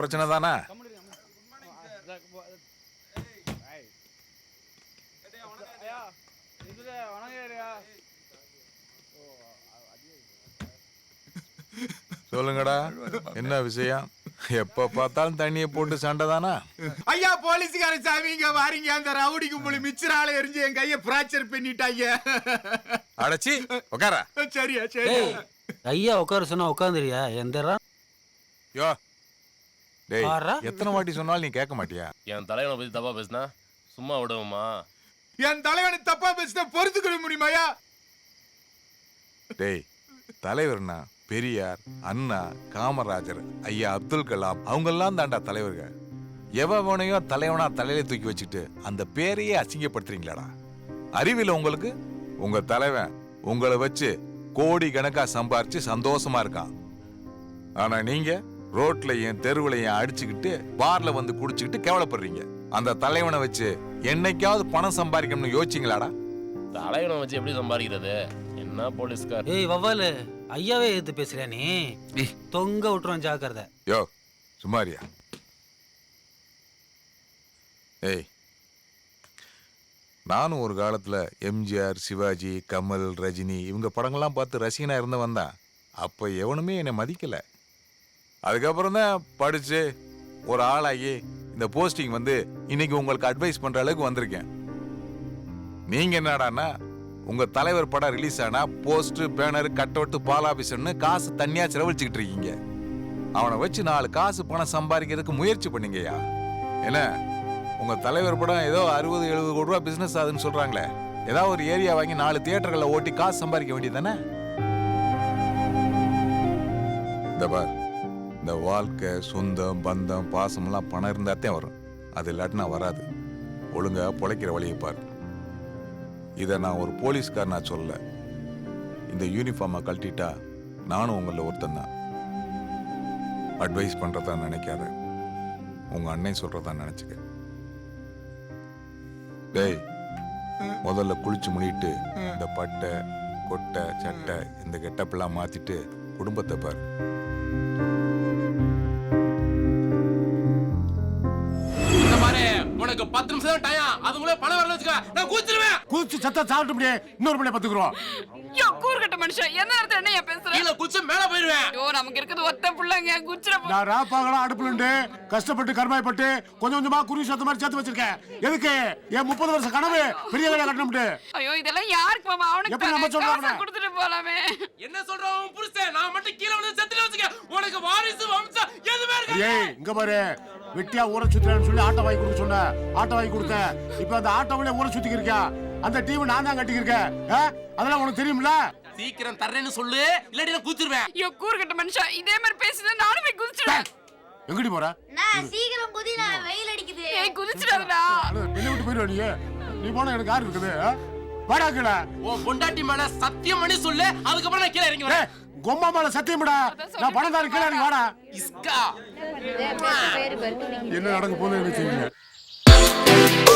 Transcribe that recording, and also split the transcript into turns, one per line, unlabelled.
பிரச்சனை தானே? சொல்லுங்கடா, என்ன விஷயம்? எப்ப பார்த்தாலும் தண்ணியை போட்டு சண்டை தானா?
ஐயா போலீஸ்கார சாமி இங்க வாரீங்க. அந்த ரவுடி கும்பல் மிச்சரால எரிஞ்சு என் கைய பிராக்சர் பண்ணிட்டாங்க.
அடச்சி உட்கார.
சரியா சரி.
ஐயா உட்கார சொன்னா உட்காந்துறியா? எந்தரா
யோ டேய், எத்தனை வாட்டி சொன்னாலும் நீ கேட்க மாட்டியா?
என் தலைவனை பத்தி தப்பா பேசினா சும்மா விடுவோமா?
என் தலைவனை தப்பா பேசினா பொறுத்துக்கொள்ள முடியுமாயா?
டேய், தலைவர்னா பெரியார், அண்ணா, காமராஜர், ஐயா அப்துல் கலாம் அவங்கெல்லாம் தாண்டா தலைவர்கள். எவனையோ தலைவனா தலையில தூக்கி வச்சுட்டு அந்த பேரையே அசிங்கப்படுத்துறீங்களாடா? அறிவில உங்களுக்கு? உங்க தலைவன் உங்களை வச்சு கோடி கணக்கா சம்பாரிச்சு சந்தோஷமா இருக்கான். ஆனா நீங்க ரோட்லயும் தெருவுலையும் அடிச்சுக்கிட்டு பார்ல வந்து குடிச்சுக்கிட்டு கேவலப்படுறீங்க. அந்த தலைவனை வச்சு என்னைக்காவது பணம் சம்பாதிக்கணும்னு யோசிச்சிங்களாடா?
தலைவனை வச்சு எப்படி சம்பாதிக்கிறது? என்ன போலீஸ்கார்?
ஏய் வவ்வாலு, ஐயாவே எதிர்த்து பேசுறியா நீ? தொங்க விட்டுருவான், ஜாக்கிரதை.
யோ சுமாரியா. ஏய், நானும் ஒரு காலத்துல எம்ஜிஆர், சிவாஜி, கமல், ரஜினி இவங்க படங்கள்லாம் பார்த்து ரசிகனா இருந்தவன் தான். அப்ப எவனுமே என்னை மதிக்கல. அதுக்கப்புறம் தான் படிச்சு ஒரு ஆளாகி இந்த போஸ்டிங் வந்து இன்னைக்கு உங்களுக்கு அட்வைஸ் பண்ற அளவுக்கு வந்திருக்கேன். நீங்க என்னடான்னா உங்க தலைவர் படம் ரிலீஸ் ஆனா போஸ்ட், பேனர், கட் அவுட், பால் ஆபீஸ்னு காசு தனியா செலவழிச்சுக்கிட்டு இருக்கீங்க. அவனை வச்சு 4 காசு பணம் சம்பாதிக்கிறதுக்கு முயற்சி பண்ணீங்கய்யா. என்ன உங்க தலைவர் படம் ஏதோ 60-70 கோடி ரூபா பிசினஸ் ஆகுதுன்னு சொல்றாங்களே, ஏதாவது ஒரு ஏரியா வாங்கி 4 தியேட்டர்களை ஓட்டி காசு சம்பாதிக்க வேண்டியதானே? இந்த பார், இந்த வாழ்க்கை, சொந்தம், பந்தம், பாசமெல்லாம் பணம் இருந்தாத்தான் வரும். அது இல்லாட்டினா வராது. ஒழுங்கா பொழைக்கிற வழியை பாரு. இதை நான் ஒரு போலீஸ்காரனா சொல்ல. இந்த யூனிஃபார்மை கழட்டிட்டா நானும் உங்களில் ஒருத்தன் தான். அட்வைஸ் பண்றதா நினைக்காத, உங்க அண்ணன் சொல்றதா நினைச்சுக்க. டேய், முதல்ல குளிச்சு முடிட்டு இந்த பட்டை, கொட்டை, சட்டை இந்த கெட்டப்பெல்லாம் மாத்திட்டு குடும்பத்தை பாரு.
உனக்கு 10 நிமிஷம் தான் டைம். அதுக்குள்ள பணம் வரல வச்சுக்க, நான் குதிச்சிடுவேன்.
குதிச்சு சத்தா சாப்பிட்டு முடியே. இன்னொரு மணி பத்துக்குறோம்.
யோ கூர்கட்ட மனுஷன், என்ன அர்த்தம்? என்ன ஏன் பேசுற?
கீழ குதிச்சு மேல போயிடுவேன்.
யோ நமக்கு இருக்குது ஒத்த புள்ளங்க, குச்சிர போ.
நான் ராப்பாகலா அடுப்புலண்டு கஷ்டப்பட்டு கர்மாயப்பட்டு கொஞ்சம் கொஞ்சமா குருவி சத்த மாதிரி சேர்த்து வச்சிருக்கேன். எதுக்கு? என் 30 வருஷ கனவு பெரிய வேலை கட்டணும்ட்டு.
ஐயோ இதெல்லாம் யாருக்கு மாமா? அவனுக்கு
எப்படி நம்ம சொல்றோம்னா
கொடுத்துட்டு போலாமே.
என்ன சொல்றோம் உன் புருஷன்? நான் மட்டும் கீழ வந்து செத்துல வச்சுக்க. உனக்கு வாரிசு வம்சம் எதுமே இருக்காது.
ஏய் இங்க பாரு, வெட்டியா ஊரை சுத்துறேன்னு சொல்லி ஆட்டோ வாங்கி கொடுக்க சொன்ன. ஆட்டோ வாங்கி கொடுத்தேன். இப்போ அந்த ஆட்டோவிலே ஊரை சுத்திக்கு இருக்கா. அந்த டீம் நான் தான் கட்டிக்கிருக்கேன். அதெல்லாம் உனக்கு தெரியும்ல?
சீக்கிரம் தர்றேன்னு சொல்லு, இல்லாட்டி நான் குதிச்சிடுவேன்.
யோ கூர்கட்ட மனுஷன், இதே மாதிரி பேசினா நானும் போய் குதிச்சிடுவேன்.
எங்கடி போற?
நான் சீக்கிரம் குதி, நான் வெயில் அடிக்குது.
ஏய் குதிச்சிடாதடா.
வெளிய விட்டு போயிடுவ நீ. நீ போனா எனக்கு யார் இருக்குது? வாடா கீழ.
உன் பொண்டாட்டி மேல சத்தியம் பண்ணி சொல்லு, அதுக்கப்புறம் நான் கீழ இறங்கி வரேன்.
கொம்மா மேல சத்தியம்டா. நான் பணம் கீழ இறங்கி வாடா.
இஸ்கா
என்ன நடக்க போகுது எனக்கு தெரியல.